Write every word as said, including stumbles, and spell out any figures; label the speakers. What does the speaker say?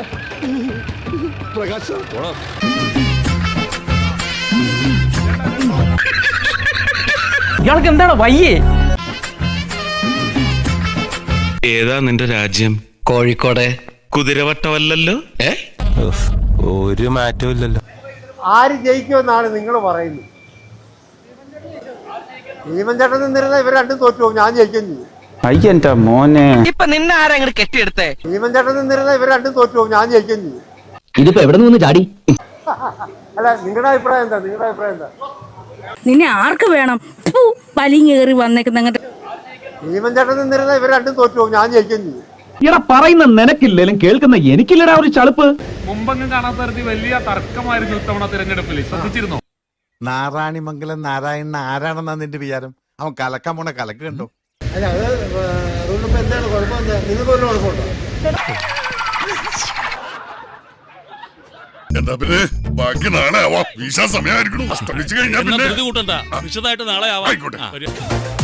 Speaker 1: പ്രകാശ്
Speaker 2: ഇയാൾക്ക് എന്താണ് വയ്യേ?
Speaker 3: ഏതാ നിന്റെ രാജ്യം?
Speaker 4: കോഴിക്കോട്.
Speaker 3: കുതിരവട്ടമല്ലല്ലോ?
Speaker 4: ഏ
Speaker 5: ഒരു മാറ്റവും ഇല്ലല്ലോ.
Speaker 6: ആര് ജയിക്കുമെന്നാണ് നിങ്ങൾ പറയുന്നത്? ഭീമൻ ചേട്ടൻ നിന്നിരുന്ന ഇവർ രണ്ടും തോറ്റു പോകും, ഞാൻ ജയിക്കും ചെയ്യും.
Speaker 5: അയ്യന്റെ മോനെ,
Speaker 2: ഇപ്പൊ നിന്നെ ആരാ അങ്ങോട്ട് കെട്ടിയെടുത്തേ?
Speaker 6: ഭീമൻ ചേട്ടൻ നിന്നിരുന്ന ഇവർ രണ്ടും തോറ്റു പോകും, ഞാൻ ജയിക്കും ചെയ്യും.
Speaker 4: ഇതിപ്പോ എവിടെ നിന്ന് ചാടി?
Speaker 6: അല്ല, നിങ്ങളുടെ അഭിപ്രായം എന്താ? നിങ്ങളുടെ അഭിപ്രായം എന്താ?
Speaker 7: നിന്നെ ആർക്ക് വേണം? വലിങ്ങേറി വന്നേക്കുന്ന
Speaker 6: ഭീമൻ ചേട്ടൻ നിന്നിരുന്ന ഇവർ രണ്ടും തോറ്റു പോകും, ഞാൻ ജയിക്കും ചെയ്യും.
Speaker 8: ഇട പറയുന്ന നിനക്കില്ലേലും കേൾക്കുന്ന എനിക്കില്ലടാ ഒരു ചളുപ്പ്.
Speaker 9: മുമ്പെങ്ങും കാണാത്ത തരത്തിൽ വലിയ തർക്കമായിരുന്നു ഇത്തവണ തിരഞ്ഞെടുപ്പിൽ, ശ്രദ്ധിച്ചിരുന്നോ?
Speaker 10: നാരായണിമംഗലം നാരായണൻ ആരാണെന്നാ നിന്റെ വിചാരം? അവൻ കലക്കാൻ പോണ കലക്ക് കണ്ടോ?
Speaker 6: അല്ല, അത് റൂളിപ്പോ എന്താണ് കുഴപ്പം? എന്താ നിങ്ങൾക്ക് ഒരു കുഴപ്പമുണ്ടോ?
Speaker 1: എന്താ പിന്നെ ബാക്കി നാളെ ആവാം. വീശാൻ സമയമായിരിക്കണം.
Speaker 9: വിശദമായിട്ട് നാളെ ആവാം.